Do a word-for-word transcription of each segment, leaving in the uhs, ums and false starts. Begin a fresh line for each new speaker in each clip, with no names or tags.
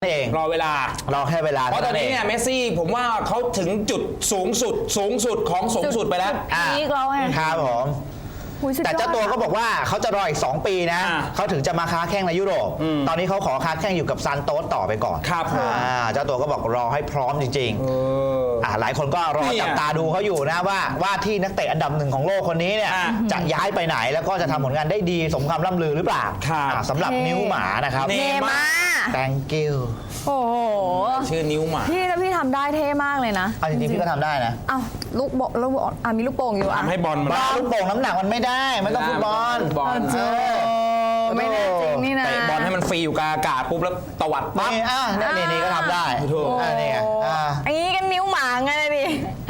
เอง
รอเวลาร
อแค่เวลา
เพราะตอนนี้เนี่ยเมสซี่ผมว่าเขาถึงจุดสูงสุดสูงสุดของสูงสุดไปแล้ว
พีคแล้วไง
ครับผมแต่เจ้าตัวก็บอกว่าเขาจะรออีกสองปีนะเขาถึงจะมาค้าแข้งในยุโรปตอนนี้เขาขอค้าแข้งอยู่กับซานโตสต่อไปก่อน
ครับ
เจ้าตัวก็บอกรอให้พร้อมจริงๆหลายคนก็รอจับตาดูเขาอยู่นะว่าว่าที่นักเตะอันดับหนึ่งของโลกคนนี้เนี่ยจะย้ายไปไหนแล้วก็จะทำผลงานได้ดีสมคำล่ำลือหรือเปล่าสำหรับนิ้วหมานะครับ
เนม่า
thank you
โอ้โห
ชื่อนิ้วหมา
พี่ถ้าพี่ทำได้เท่มากเลยนะ
จริงๆพี่ก็ทำได้นะ
อ้าวลูกบอลลูกบอลอ่ะมีลูกโป่งอยู่อ่ะ
ทำให้บอลมัน
ลูกโป่งน้ำหนักมันไม่ได้ไม่ต้องฟุตบอล
บอล
ไม่แน่จริงนี่นะ
เตะบอลให้มันฟรีอยู่กลางอากาศปุ๊บแล้วตวัดปั๊บ
นี่อ่ะนี่นี่ก็ทำได้
ถูก
อ่ะนี่
อ่ะอันนี้กันนิ้วหมาไงดิ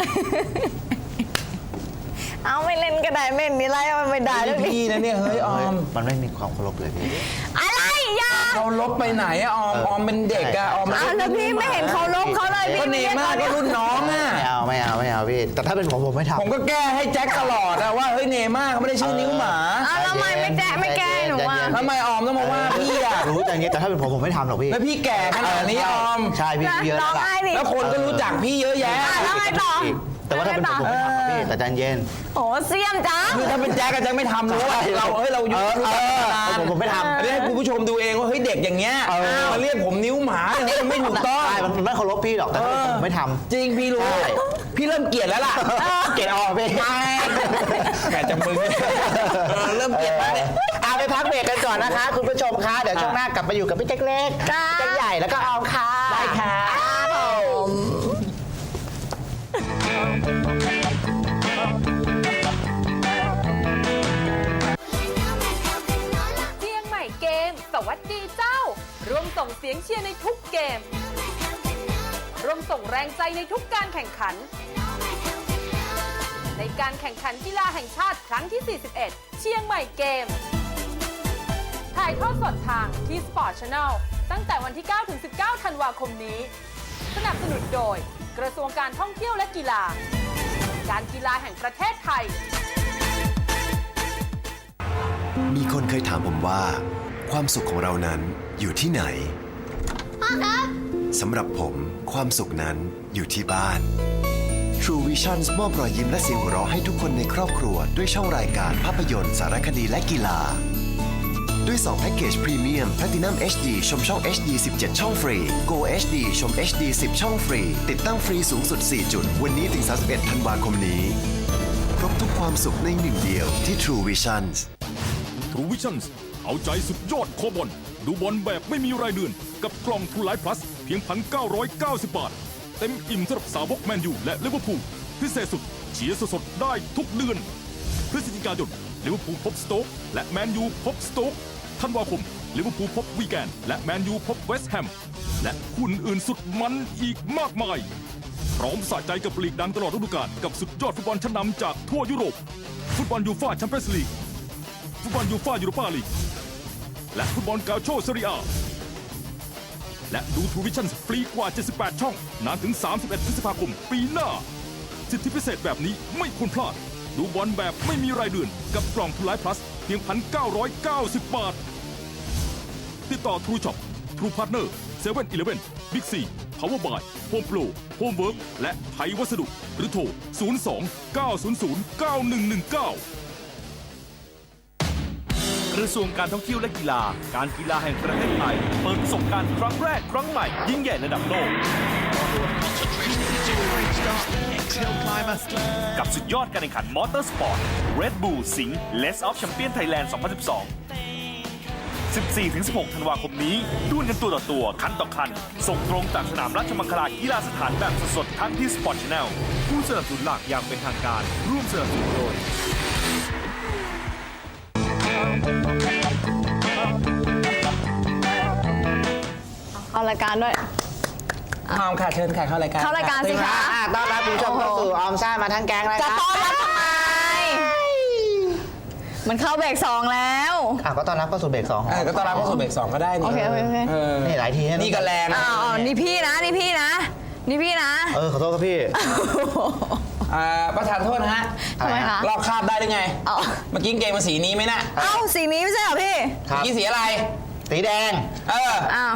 เอาไม่เล่นก็ได้ไม่มีไรมันไม่ได้แล้ว
พี่นะเนี่ยเฮ้ยออม
มันไม่มีความเคารพเลยพี่
อะไรยา
เขาลบไปไหนอะออมออมเป็นเด็กอะออม
แล้วพี่ไม่เห็นเขาลบเขาเลยพี่
ก็เนม่าก็รุ่นน้องอะ
ไม่เอาไม่เอาไม่เอาพี่แต่ถ้าเป็นผมผมไม่ทำ
ผมก็แก้ให้แจ็คตลอดอะว่าเฮ้ยเนม่าเขาไม่ได้ชื่อนิ้วหมา
แล้วทำไมไม่แก้ไม่แก้หนูอ่ะ
ทำไมออมต้องมาว่าพี่อะ
รู้อย่างนี้แต่ถ้าเป็นผมผมไม่ทำหรอกพี่
แล้วพี่แก่ขนาดนี้ออม
ใช่พี่เยอะแล้ว
แล้วคนก็รู้จักพี่เยอะแยะ
แล้วไงต่อ
แต่ว่าถ้าเป็นผมผมไม่ทำพี่แต่ใจเย็น
โอ้เสียมจ้า
คือถ้าเป็นแจ็คก็จะไม่ทำรู้ว่าเราเฮ้ยเราอยู่
ผมผมไม่ทำ
อันนี้ให้คุณผู้ชมดูเองว่าเฮ้ยเด็กอย่างเงี้ยมาเรียกผมนิ้วหมาเนี่ยมันไม่ถูกต้อง
ใช่มันไม่เคารพพี่หรอกแต่ผมไม่ทำ
จริงพี่รู้พี่เริ่มเกลียดแล้วล่ะ
เกลียดออกพี่
แกจะมึงเริ่มเกลียดแล้วเนี่ย
เอาไปพักเบรกกันก่อนนะคะคุณผู้ชมคะเดี๋ยวช่วงหน้ากลับมาอยู่กับพี่แจ็คเล็กแจ็คใหญ่แล้วก็ออมค่ะ
ได้ค่ะ
สวัสดีเจ้าร่วมส่งเสียงเชียร์ในทุกเกมร่วมส่งแรงใจในทุกการแข่งขันในการแข่งขันกีฬาแห่งชาติครั้งที่ สี่สิบเอ็ด เชียงใหม่เกมถ่ายทอดสดทางที่ Sport Channel ตั้งแต่วันที่ เก้าถึงสิบเก้า ธันวาคมนี้สนับสนุนโดยกระทรวงการท่องเที่ยวและกีฬาการกีฬาแห่งประเทศไทย
มีคนเคยถามผมว่าความสุขของเรานั้นอยู่ที่ไหนพ่อครับสำหรับผมความสุขนั้นอยู่ที่บ้าน True Visions มอบรอยยิ้มและเสียงหัวเราะให้ทุกคนในครอบครัวด้วยช่องรายการภาพยนตร์สารคดีและกีฬาด้วยสองแพ็กเกจพรีเมียม Platinum เอช ดี ชมช่อง เอช ดี สิบเจ็ด ช่องฟรี Go เอช ดี ชม เอช ดี สิบ ช่องฟรีติดตั้งฟรีสูงสุดสี่จุดวันนี้ถึงสามสิบเอ็ดธันวาคมนี้ครบทุกความสุขในหนึ่งเดียวที่ True Visions
True Visionsเอาใจสุดยอดโคบอลดูบอลแบบไม่มีรายเดือนกับกล่อง True Life Plus เพียง หนึ่งพันเก้าร้อยเก้าสิบ บาทเต็มอิ่มสำหรับสาวกแมนยูและลิเวอร์พูลพิเศษสุดเชียร์สดๆได้ทุกเดือนพฤศจิกายนลิเวอร์พูลพบสโต๊กและแมนยูพบสโต๊กธันวาคมลิเวอร์พูลพบวีแกนและแมนยูพบเวสต์แฮมและคู่อื่นสุดมันอีกมากมายพร้อมสะใจกับลีกดังตลอดฤดูกาลกับสุดยอดฟุตบอลชั้นนำจากทั่วยุโรปฟุตบอลยูฟ่าแชมเปี้ยนส์ลีกฟุตบอลยูฟ่ายูโรปาลีกและฟุตบอลกาโชเซเรียและดูทูวิชั่นฟรีกว่าเจ็ดสิบแปดช่องนานถึงสามสิบเอ็ดพฤษภาคมปีหน้าสิทธิพิเศษแบบนี้ไม่ควรพลาดดูบอลแบบไม่มีรายเดือนกับกล่องทูไลฟ์พลัสเพียง หนึ่งพันเก้าร้อยเก้าสิบ บาทติดต่อทรูช็อปทรูพาร์ทเนอร์เซเว่นอีเลฟเว่นบิ๊กซีพาวเวอร์บายโฮมโปรโฮมเวิร์กและไทยวัสดุหรือโทรศูนย์ สอง เก้า ศูนย์ ศูนย์ เก้า หนึ่ง หนึ่ง เก้ากระทรวงการท่องเที่ยวและกีฬาการกีฬาแห่งประเทศไทยเปิดประสบการณ์ครั้งแรกครั้งใหม่ยิ่งใหญ่ระดับโลกกับสุดยอดการแข่งขันมอเตอร์สปอร์ต Red Bull Sing Less of Champion Thailand สองพันสิบสอง สิบสี่ถึงสิบหก ธันวาคมนี้ดวลกันตัวต่อตัวคันต่อคันส่งตรงจากสนามราชมังคลากีฬาสถานแบบสดๆทั้งที่ Sport Channel ผู้สนับสนุนหลักอย่างเป็นทางการร่วมสนับสนุนโดย
เอารายการด้วย
ออมค่ะเชิญค่ะเข้ารายการ
เข้ารายการสิคะ
ต้อนรับผู้ชมเข้าสู่ออมซ่ามาทั้งแก๊งเลย
จะต้อนรับทำไมมันเข้าเบรกสองแล้ว
อ่ะก็ต้อนรับเข้าสู่เบรกสอง
ก็ต้อนรับเข้าสู่เบรกสองก็ได้นี่
โอเคโอเค
นี่หลายที
นี่ก็แรง
อ๋อนี่พี่นะนี่พี่นะนี่พี่นะ
เออขอโทษครับพี่
ประธานโทษนะฮะ
ทำไมคะ
ลอกคราบได้หรือไงเมื่อกี้เกมมาสีนี้ไหมน่ะ
เอ้าสีนี้ไม่ใช่เหรอพี่
เมื่อกี้สีอะไร
สีแดง
เอออ้าว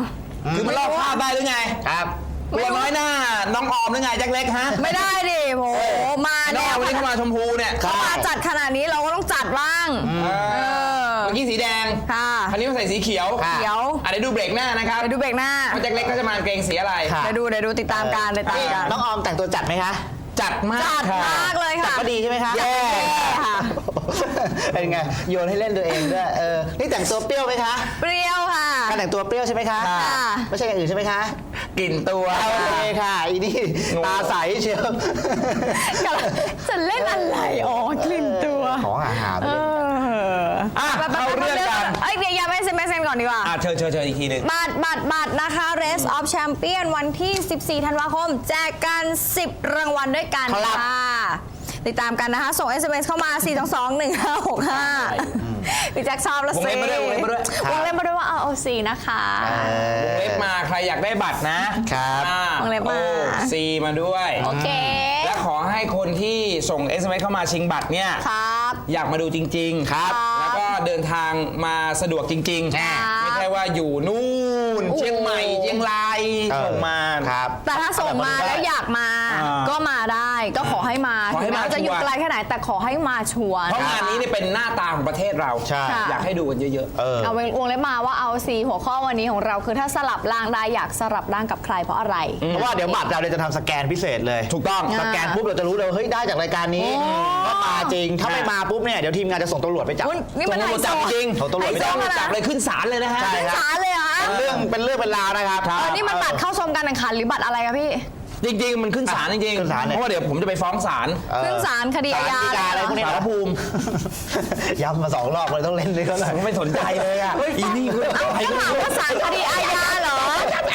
คือมันลอกภาพได้หรือไง
ครับ
ตัวน้อยหน้าน้องออมหรือไงแจ็คเล็กฮะ
ไม่ได้ดิโหมา
น้อง
แน
ออ
ว
มวันนี้เข้ามาชมพูเนี่ย
เขามาจัดขนาดนี้เราก็ต้องจัดบ้าง
เอ
เอ
อ
อ
เมื่อกี้สีแดง
ค่ะ
คันนี้มาใส่สีเขียว
เขียว
อ่ะเดี๋ยวดูเบรกหน้านะครับ
เดี๋ยวดูเบรกหน้า
ว่าแจ็คเล็กก็จะมาเกงสีอะไร
ค่ะ
เดี๋ยวดูเดี๋ยวดูติดตามการติดตามการ
น้องออมแต่งตัวจัดไหมคะ
จัดมาก
จัด
ค่ะ
มากเลย
จัด
ค่ะ
ก็ดีใช่ไหมคะ
แย่
ค่ะ
เป็นไงโยนให้เล่นตัวเองด้วยเออนี่แต่งตัวเปรี้ยวไหมคะ
เปรี้ยวค่ะ
การแต่งตัวเปรี้ยวใช่ไหมคะ
ค่ะ
ไม่ใช่อย่างอื่นใช่ไหมคะ
กลิ่นตัว
โอเคค่ะอีนี่
งง
ตาใสเชียว
จะเล่นอะไรอ๋อกลิ่นตัว
ของอาหาร
เออ
อ่ะเข้าเรื่องกัน
เอ้ยเดี๋ยวอย่าไปเซ็นไปเซ็นก่อนดีกว่า
อ่ะเชิญเชิญเชิญอีกทีหนึ่ง
บัตรบัตรบัตรนะคะ Race of Champion วันที่ สิบสี่ ธันวาคม แจกกัน สิบ รางวัลด้วยกัน
ครับ
ค่ะ ติดตามกันนะคะ ส่ง เอส เอ็ม เอส เข้ามา สี่ สอง สอง หนึ่ง ห้า หก ห้า พี่แจ็คชอบละ
วง
สิ
เล็บมาด้วยวงเล็บมาด้วย
วงเล็บมาด้วยว่าเอาเอาสีนะคะ
วงเล็บมาใครอยากได้บัตรนะครับ อ่าว
งเล็บมา
โอ้ซีมาด้วย
โอเค
และขอให้คนที่ส่ง เอส เอ็ม เอส เข้ามาชิงบัตรเนี่ย
ครับ
อยากมาดูจริงๆ
ครับ
แล้วก็เดินทางมาสะดวกจริง
ครับ
ๆ ไม่ใช่ว่าอยู่นู่น
โอ้
เชียงใหม่เชียงราย
เออ
ส่งมา
ครับ
แต่ถ้าส่งมาแล้วอยากมา
อ่า
ก็มาได้ก็ขอให้มา
ขอให้
ถึงแม้
มา
ว่าจะอยู่
ชัวร์
ไกลแค่ไหนแต่ขอให้มาชัวร์
เพราะงานนี้เนี่ยเป็นหน้าตาของประเทศเรา
ใช่
อยากให้ดูกันเยอะ
เออ
เอาวงเล็บมาว่าเอาสีหัวข้อวันนี้ของเราคือถ้าสลับร่างได้อยากสลับร่างกับใครเพราะอะไร
เพราะว่าเดี๋ยวบัตรเราเนี่ยจะทำสแกนพิเศษเลย
ๆ ถูกต้อง
สแกนปุ๊บเราจะรู้เลยว่าเฮ้ยได้จากรายการนี้
โอ้
ก็มาจริงถ้าไม่มาปุ๊บเนี่ยเดี๋ยวทีมงานจะส่งตำรวจไปจับ
อุ๊ยนี่มัน
ตำรวจจับ
ไฮโซ
จริง
ส่งตำรวจไป
ไฮโซ
จับ
ขนาด
จับเลยขึ้นศาลเลยนะฮะ
ใช่
ขึ้นศาลเลยเหรอคะ
เรื่องเป็นเรื่องเป็นราวนะครับ
เออนี่มันบัตรเข้าชมการแข่งขันหรือบัตรอะไรคะพี่
จริงๆ มันขึ้นศาลจริง
ขึ้นศาล
ๆ
เนี่ย
เพราะว่าเดี๋ยวผมจะไปฟ้องศาล
เออ
ขึ้นศาลคดีอาญา
ศลฎีกอะไรพวกนี้
ศาลภูมิ
ย้ำมาสองรอบเลยต้องเล่นด้วยกันหน่อย
ผมไม่สนใจเลยอ่ะอีนี่คือ
เอ้า
ใคร
ก็
ก็
ถาม
ไม่รู้
ว่าศาลคดีอาญาเหรอ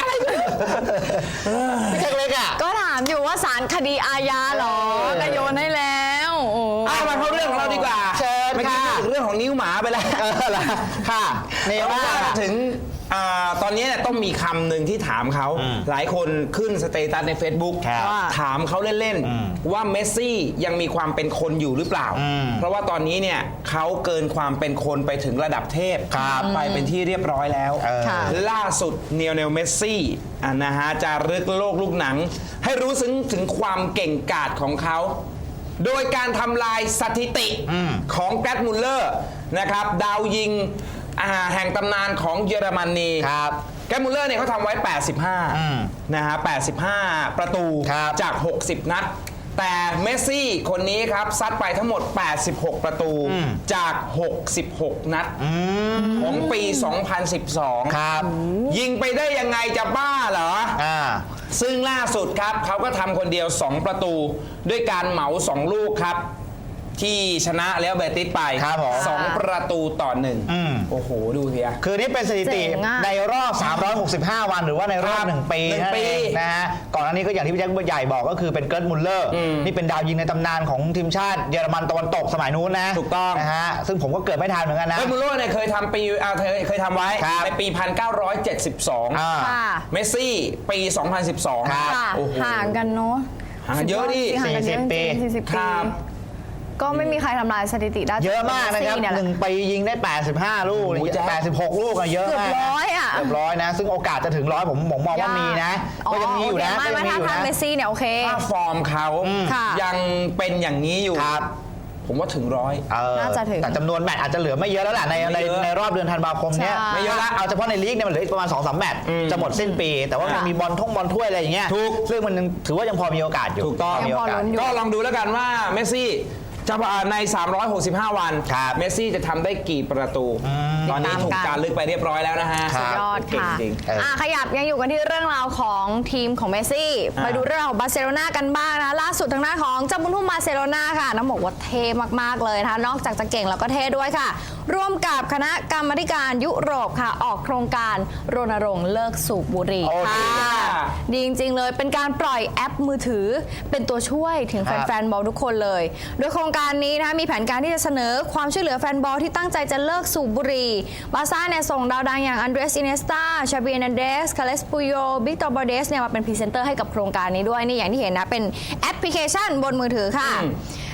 พี่แจ็คเล็กอ่ะ
ก็ถามอยู่ว่าศาลคดีอาญาเหรอก็โยนให้แล้วโอ้
เอามาเข้าเรื่องของเราดีกว่า
เชิญ
เมื่อกี้
ค่ะ
พูดถึงเรื่องของนิ้วหมาไปแล้ว
เออเหรอค่ะเน
เพราะ
ว่า
ว่าถึงอ่าตอนนี้เนี่ยต้องมีคำหนึ่งที่ถามเขา หลายคนขึ้นสเตตัสใน Facebook
ครับ
ถามเขาเล่น ๆ ว่าเมสซี่ยังมีความเป็นคนอยู่หรือเปล่า
อืม
เพราะว่าตอนนี้เนี่ยเขาเกินความเป็นคนไปถึงระดับเทพ
ครับ
ไปเป็นที่เรียบร้อยแล้ว
เออ
ค่ะ
ล่าสุดเนียลเนลเมสซี่อ่ะนะฮะจะรึกโลกลูกหนัง ให้รู้ซึ้งถึงความเก่งกาจของเขา โดยการทำลายสถิติของแกรทมุลเลอร์นะครับดาวยิงอ่าแห่งตำนานของเยอรมนี
ครับ
แกรทมุลเลอร์เนี่ยเขาทำไว้ แปดสิบห้า
อืม
นะฮะแปดสิบห้า ประตู
ครับ
จาก หกสิบ นัด แต่เมสซี่คนนี้ครับซัดไปทั้งหมด แปดสิบหก ประตูจาก หกสิบหก นัดของปี สองพันสิบสอง
ครับ
ยิงไปได้ยังไงจะบ้าเหรอ
อ่า
ซึ่งล่าสุดครับเขาก็ทำคนเดียว สอง ประตู ด้วยการเหมา สอง ลูกครับ ที่ชนะแล้วเบติสไป
ครับผม
สองประตูต่อหนึ่ง
อืม
โอ้โห ดูเถีย
คือนี่เป็นสถิติ
เจ๋งอะ
ในรอบ สามร้อยหกสิบห้า วันหรือว่าในรอบ
ครับ
หนึ่งปี
หนึ่ง
นั่น
ปี
เองนะฮะก่อนหน้านี้ก็อย่างที่พี่แจ็คใหญ่บอกก็คือเป็นเกิร์ตมุลเลอร์
อืม
นี่เป็นดาวยิงในตำนานของทีมชาติเยอรมันตะวันตกสมัยนู้นนะ
ถูกต้อง
นะฮะซึ่งผมก็เกิดไม่ทันเหมือนกันนะ
เอ้ยมูโร่เนี่ยเคยทำปีอ่าเคยเคยทำไว้
ครับ
ในปี หนึ่งพันเก้าร้อยเจ็ดสิบสอง
อ่า
ค่ะ
เมสซี่ ปี สองพันสิบสอง
ครับ
ค่ะ
โอ้โห
ห่างกันเนาะ
ห่างกันเยอะดิ
ห่างกันเยอะ
สี่สิบปี
จริงๆสี่สิบ
ค
ปี
รับ
ก็ไม่มีใครทำลายสถิติได้
เยอะมากนะครับ
เยแห
ห
ละ
นึ่งปียิงได้ แปดสิบห้า ลูก
โอ้โหแจ๊ค
แปดสิบหก ลูกอะเยอะ
เกือบ
มาก
ร้อยอะ
เกือบร้อยนะ ซึ่งโอกาสจะถึงร้อยผมผมมองว่ามีนะ ก็ยังมีอยู่นะ
โเคไม่
ก็ยังมี
ไม่ถ้า
อยู่
ทำ
นะ
เมสซี่เนี่ยโอเค
ถ้าฟอร์มเขา
ค่ะ
ยังเป็นอย่างนี้อยู่
ครับ
ผมว่าถึงร้อย
เออ
น่าจะถึง
แต่จำนวนแมตช์อาจจะเหลือไม่เยอะแล้วแหละในใน
ไม่เยอะ
ในรอบเดือนธันวาคมเนี้ย
ใช่
ไม่เยอะละ
เอาเฉพาะในลีกเนี่ยมันเหลืออีกประมาณ สองสาม แมตช์
อืม
จะหมดสิ้นปี แต่ว่ามัน
ค่ะ
มีบอลท่องบอลถ้วยอะไรอย่างเงี้ย
ถูก
ซึ่งมันยังถือว่ายังพอมีโอกาสอยู่
ถูกต้อง
มีโอกาส
ยังพอลุ้นอยู่
ก็ลองดูแล้วกันว่าเมสซี่จะใน สามร้อยหกสิบห้า วัน
ครับ
เมสซี่จะทำได้กี่ประตู ตอนนี้ถูกการลึกไปเรียบร้อยแล้วนะฮะ
สุดยอด
เก่ง
ค่ะ
จริง
เอออ่
อ่ะขยับยังอยู่กันที่เรื่องราวของทีมของเมสซี่
อ่า
ไปดูเรื่องราวของบาร์เซโลนากันบ้างนะล่าสุดทางหน้านของเจ้าบุญทุ่มบาร์เซโลนาค่ะน้องบอกว่าเท่มากๆเลยนะคะนอกจากจะเก่งแล้วก็เท่ด้วยค่ะ ร่วมกับคณะกรรมาธิการยุโรปค่ะ ออกโครงการรณรงค์เลิกสูบบุหรี่
โอเค
ค่ะดีจริงๆเลยเป็นการปล่อยแอปมือถือ เป็นตัวช่วยถึง
ครับ
แฟนๆบอลทุกคนเลย โดยโครงการนี้นะคะมีแผนการที่จะเสนอความช่วยเหลือแฟนบอลที่ตั้งใจจะเลิกสูบบุหรี่บาร์ซ่าเนี่ยส่งดาวดังอย่างอันเดรสอินเนสตาชาบีเอร์นันเดสคาเลสปูโยบิกตอร์บอเดสเนี่ยมาเป็นพรีเซนเตอร์ให้กับโครงการนี้ด้วยนี่อย่างที่เห็นนะเป็นแอปพลิเคชันบนมือถือค่ะ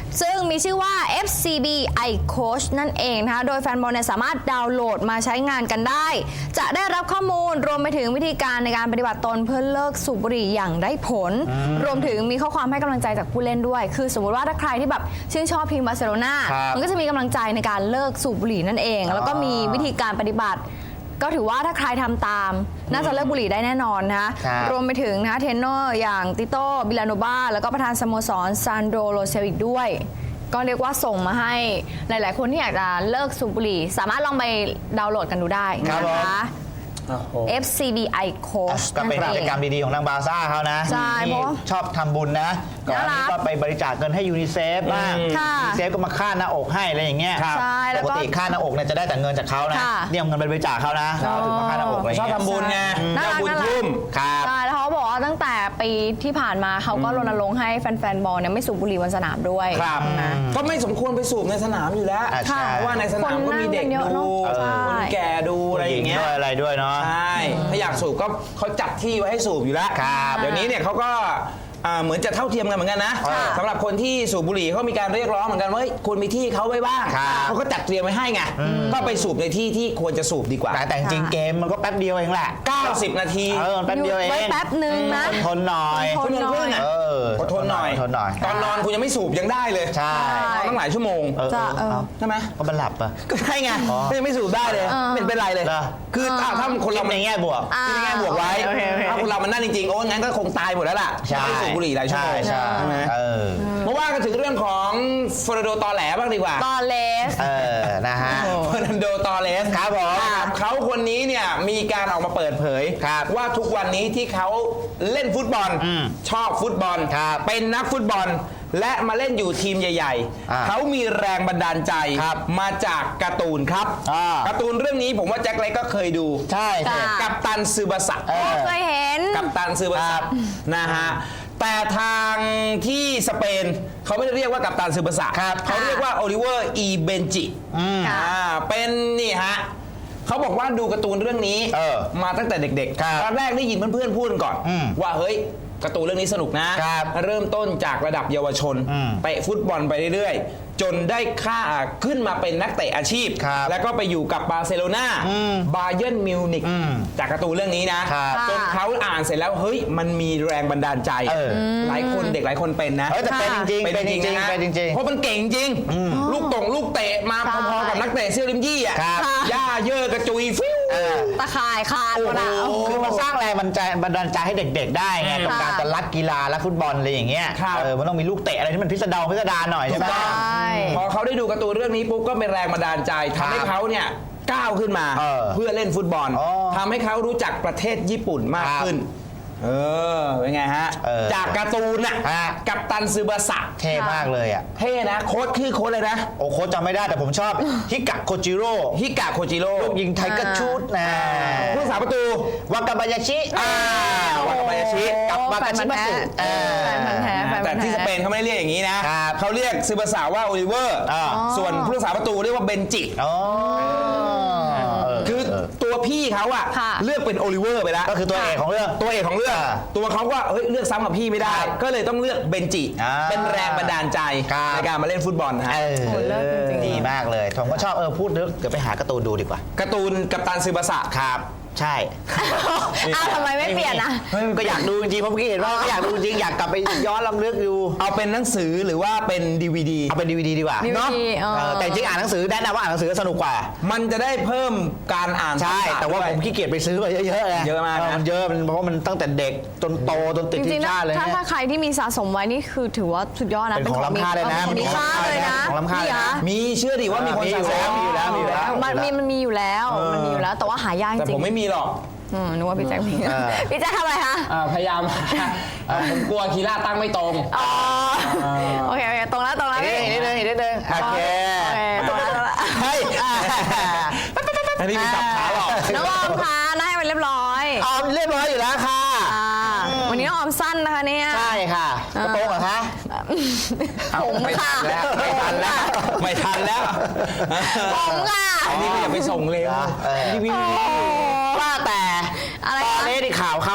ซึ่งมีชื่อว่า เอฟ ซี บี iCoach นั่นเองนะคะโดยแฟนบอลเนี่ยสามารถดาวน์โหลดมาใช้งานกันได้ จะได้รับข้อมูลรวมไปถึงวิธีการในการปฏิบัติตนเพื่อเลิกสูบบุหรี่อย่างได้ผล รวมถึงมีข้อความให้กำลังใจจากผู้เล่นด้วย คือสมมติว่าถ้าใครที่แบบชื่นชอบทีมบาร์เซโลนา
ครับ
มันก็จะมีกำลังใจในการเลิกสูบบุหรี่นั่นเอง แล้วก็มีวิธีการปฏิบัติ ก็ถือว่าถ้าใครทำตาม น่าจะเลิกบุหรี่ได้แน่นอนนะคะ
ครับ
รวมไปถึงนะคะเทรนเนอร์อย่างติโต้บิลาโนบาแล้วก็ประธานสโมสรซานโดโรเซลอีกด้วย ก็เรียกว่าส่งมาให้หลาย ๆ คนที่อยากจะเลิกสูบบุหรี่ สามารถลองไปดาวน์โหลดกันดูได้
ครับ
นะคะ
โอ้โห
เอฟ ซี บี iCoach
ก็เป็นกิจกรรมดีๆของทางบาร์ซ่าเขานะ
ใช่เพราะว่า
ชอบทำบุญนะก่อนหน้านี้ก็ไปบริจาคเงินให้ยูนิเซฟบ้าง
ค่ะ
ยูนิเซฟก็มาค่าหน้าอกให้อะไรอย่างเงี้ย
ใช่แล้ว
ป
ก็
กติค่าหน้าอกเนี่ยจะได้แต่เงินจากเขานะ
ค่ะ
เนี่ยเอาเงินไปบริจาคเขานะเขาถึงมาค่าหน้าอกอะไร
ชอบ
เงี้ย
ทำบุญไง
น่า
เจ้า
รัก
บุญ
น่ารัก
ทุ่ม
ครับ
ใช่แล้วเขาบอกว่าตั้งแต่ปีที่ผ่านมาเขาก็รณรงค์ให้แฟน ๆ บอลเนี่ยไม่สูบบุหรี่บนสนามด้วย
ครับ
นะ
ก็ไม่สมควรไปสูบในสนามอยู่แล้ว
อ่ะใช่
เพราะว่าในสนามก็มีเด็ก
คนนั่งกันเยอะเน
ดู
อะใช่
คนแก่ดูอะไรอย่างเงี้ย
ด้วยอะไรด้วยเนาะ
ใช่ ถ้าอยากสูบก็เขาจัดที่ไว้ให้สูบอยู่แล้ว
ครับ
เดี๋ยวนี้เนี่ยเขาก็อ่าเหมือนจะเท่าเทียมกันเหมือนกันนะ
ค่ะ
สำหรับคนที่สูบบุหรี่เขามีการเรียกร้องเหมือนกันว่าเฮ้ยคุณมีที่เขาไว้บ้าง
ครับ
เขาก็จัดเตรียมไว้ให้ไง ก็ไปสูบในที่ที่ควรจะสูบดีกว่า
แต่แต่จริงๆเกมมันก็แป๊บเดียวเองแหละ
เก้าสิบ นาที
เออมันแป๊บเดียวเอง
ไว้แป๊บหนึ่งนะ
อดทนหน่อย
ทนหน่อย
เออ
อดทนหน่อย
อดทนหน่อย
ตอนนอนคุณยังไม่สูบยังได้เลย
ใช่
นอนตั้งหลายชั่วโมง
เออ
จะ
เออ
เออ
เอา
ใช่ไหม
ก็มันหลับอ่ะ
ก็ใช่ไง
อ๋อ
ก็ยังไม่สูบได้เลย
เออ
ไม่เห็นเป็นไรเลย
เหรอ
คือถ้าถ้าคนเรา
ในแง่บวก
อ่า
คิดในแง่บวกไว้
โอเคโอเค
ถ้าคนเรามันนั่นจริงๆโอ้งั้นก็คงตายหมดแล้วล่ะ
ใช่
ไม่สูบบุหรี่หลายชั่วโมง
ใช่ใช่
ไหม
เออ
มาว่ากันถึงเรื่องของเฟอร์นันโดตอแหลบ้างดีกว่า
ตอเลส
เออนะฮะ
เฟอร์นันโดตอเรส
ครับผม
เขาคนนี้เนี่ยมีการออกมาเปิดเผย
ครับ
ว่าทุกวันนี้ที่เขาเล่นฟุตบอล
อืม
ชอบฟุตบอล
ครับ
เป็นนักฟุตบอล และมาเล่นอยู่ทีมใหญ่
อ่า
ๆ เขามีแรงบันดาลใจ
ครับ
มาจากการ์ตูนครับ
อ่า
การ์ตูนเรื่องนี้ผมว่าแจ็คเล็กก็เคยดู
ใช่ใช่
ค่ะ
กัปตันซึบาสะ
เออ
เคยเห็น
กัปตันซึบา
ครั
สะ
บ
นะฮะแต่ทางที่สเปนเขาไม่ได้เรียกว่ากัปตันซึบาสะ
ครับ
เขาเรียกว่าโอลิเวอร์อีเบนจิ
ค่ะ
อ่าเป็นนี่ฮะเขาบอกว่าดูการ์ตูนเรื่องนี้
เออ
มาตั้งแต่เด็ก
ครับ
ๆตอนแรกได้ยินเพื่อนๆพูดกันก่อน
อืม
ว่าเฮ้ยการ์ตูนเรื่องนี้สนุกนะครับ เริ่มต้นจากระดับเยาวชน
อืม
เตะฟุตบอลไปเรื่อยๆ จนได้ค่าขึ้นมาเป็นนักเตะอาชีพ
ครับ
แล้วก็ไปอยู่กับบาร์เซโลนา
อืม
บาเยิร์นมิวนิก
อืม
จากการ์ตูนเรื่องนี้นะครับ จนเขาอ่านเสร็จแล้วเฮ้ยมันมีแรงบันดาลใจ
เออ
หลายคนเด็กหลายคนเป็นนะ
เออแต่เป็นจริงๆ
เป็นจริงๆนะ
เป็นจริงๆ
เพราะมันเก่งจริง ลูกตงลูกเตะมา
ใช่
พอๆกับนักเตะเซี่ยวลิมยี่อ่ะ
ครับ
ย่าเยอะกระจุยฟิว
เออ
ตะข่ายคานหมดอะ
โอ้โห
คือมันสร้างแรงบันดาลบันดาลใจให้เด็กๆ ได้ไง
อืม
กับการจะรักกีฬารักฟุตบอลอะไรอย่างเงี้ย
ครับ
เออมันต้องมีลูกเตะอะไรที่มันพิสดารพิสดารหน่อยใช่ไหม
ถูกต้อง
ใช่
พอเขาได้ดูการ์ตูนเรื่องนี้ปุ๊บก็เป็นแรงบันดาลใจทำให้เขาเนี่ยก้าวขึ้นมา
เออ
เพื่อเล่นฟุตบอล
อ๋อ
ทำให้เขารู้จักประเทศญี่ปุ่นมาก
ครับ
ขึ้น เออเป็นไงฮะ
เออ
จากการ์ตูนน่ะ
ฮะ
กัปตันซึบาสะ
เท่มากเลยอ่ะ
เท่นะโค้ดคือโค้ดเลยนะ
โอ้โค้ชจำไม่ได้แต่ผมชอบ ฮิกะโคจิโร่
ฮิกะโคจิโร่
ลูกยิงไทเกอร์ชูดนะ
ผู้สาประตู
วากาบายาชิ
อ่าวากาบายาชิ
กับวากาชิมัสึเออ
แฟนพันธุ์แท้แฟนพั
แต่
นธุ์แท้
ที่สเปนเขาไม่ได้เรียกอย่างนี้นะครับ เขาเรียกซึบาสะว่าโอลิเวอร์
อ่า
ส่วนผู้รักษาประตูเรียกว่าเบนจิ
อ๋อเออ
คือ
เออ
ตัวพี่เขาอะ
ค่ะ
เลือกเป็นโอลิเวอร์ไปแล้ว
ก็คือตัวเอกของเรื่อง
ตัวเอกของเรื่อง
อ่า
ตัวเขาก็เฮ้ยเลือกซ้ำกับพี่ไม่ได้
ครับ
ก็เลยต้องเลือกเบนจิ
อ่า
เป็นแรงบันดาลใจ
ครับ
ในการมาเล่นฟุตบอลนะฮะ
เออ
โหเลิศจริงๆ
ดีมากเลยผมก็ชอบเออพูดเดี๋ยวไปหาการ์ตูนดูดีกว่า
การ์ตูนกัปตันซึบาสะ
ครับ ใช่
อ้าวทำไมไม่เปลี่ยนนะ
เฮ้ยก็อยากดูจริงๆเพราะเมื่อกี้เห็นว่าก็อยากดูจริงอยากกลับไปย้อนลำลึกดู
เอาเป็นหนังสือหรือว่าเป็นดีวีดี
เอาเป็นดีวดีดีกว่า
ดี
เนาะ
วีดีเออ
เออแต่จริงอ่านหนังสือแนะนำว่าอ่านหนังสือสนุกกว่า
มันจะได้เพิ่มการอ่าน
ใช่
ทักษะ
แต่ว่า
ด้วย
ผมขี้เกียจไปซื้อมาเยอะๆไง
เยอะมากนะ
มันเยอะมันเพราะว่ามันตั้งแต่เด็กจนโตจนติด
จ
ที
ริง
ม
ๆนะ
ชาติเลย
ถ้า
เนี่ย
ถ้าใครที่มีสะสมไว้นี่คือถือว่าสุดยอดนะ
เป็นของล้ำค่าเลยนะ
ของมีค่าเลยนะ
ของล้ำค่าเลยนะ
มีเชื่อดิว่ามีคน
มีอยู่
สะส
แล้วมีอยู่แล้วมีอยู่แล้ว
มันมีมันมีอยู่แล้วมันมีอยู่แล้วแต่ว่าหายากจ
แต่
ริ
ผ
ง
มไม่มีหรอก
อืมนึกว่าพี่แจ็คมี
เออ
พี่แจ็คทำอะไรคะ
อ่าพยายาม อ่าผมกลัวคีร่าตั้งไม่ตรง
อ๋อโอเคโอเคตรงแล้วตรงแล้ว
อีก
พี่
นิดนึงอีกนิดนึงโอเค
โอเคตรงแล้วตรงแล้ว
เฮ้ยอ่า
อันนี้มีสับขาหรอก
น้องออมคะน่าให้มันเรียบร้อย
ออมเรียบร้อยอยู่แล้วค่ะ
อ่าวันนี้น้องออมสั้นนะคะเนี่ย
ใช่ค่ะกระโปรงเหรอคะ
ผมค่ะ
ไม่ทันแล้ว ไม่ทันแล้ว
ผมค่ะ
อันนี้ก็อย่าไปส่งเร็ว
เออ
รีวิว
ว่าแต่
อะไร
ตอน
คะ
นี้ที่ข่าวเขานะ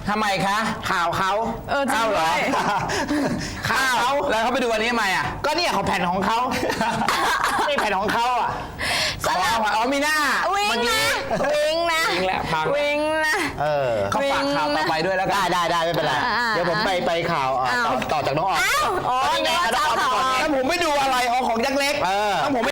ทำไมคะ
ข่าวเขา
เออจริง
เอ้าเหรอ
ด้วย
ข่าวเขา
แล้วเขาไปดูอันนี้ทำไมอ่ะ
ก็เนี่ยของแผ่นของเขา นี่แผ่นของเขาอ่ะ
สำหรับ
อ๋อมีหน้า
วิงนะวิงนะ
วิงแล้วพัง
วิงนะ
เออ
เขาฝากข่าวต่อไปด้วยแล้วกั
ได้
น
ได้ได้ไม่เป็นไร
อ่า
เดี๋ยวผมไปไปข่าวเอ่อ
อ้าว
ต่อต่อจากน้องออม
อ้าวอ๋อ
นี่ไง
นึกว่าจะเอา
น้องออมไปก่อน
ข่าว
ถ้าผมไม่ดูอะไรเอาของยักษ์เล็ก
เออ
ถ้าผม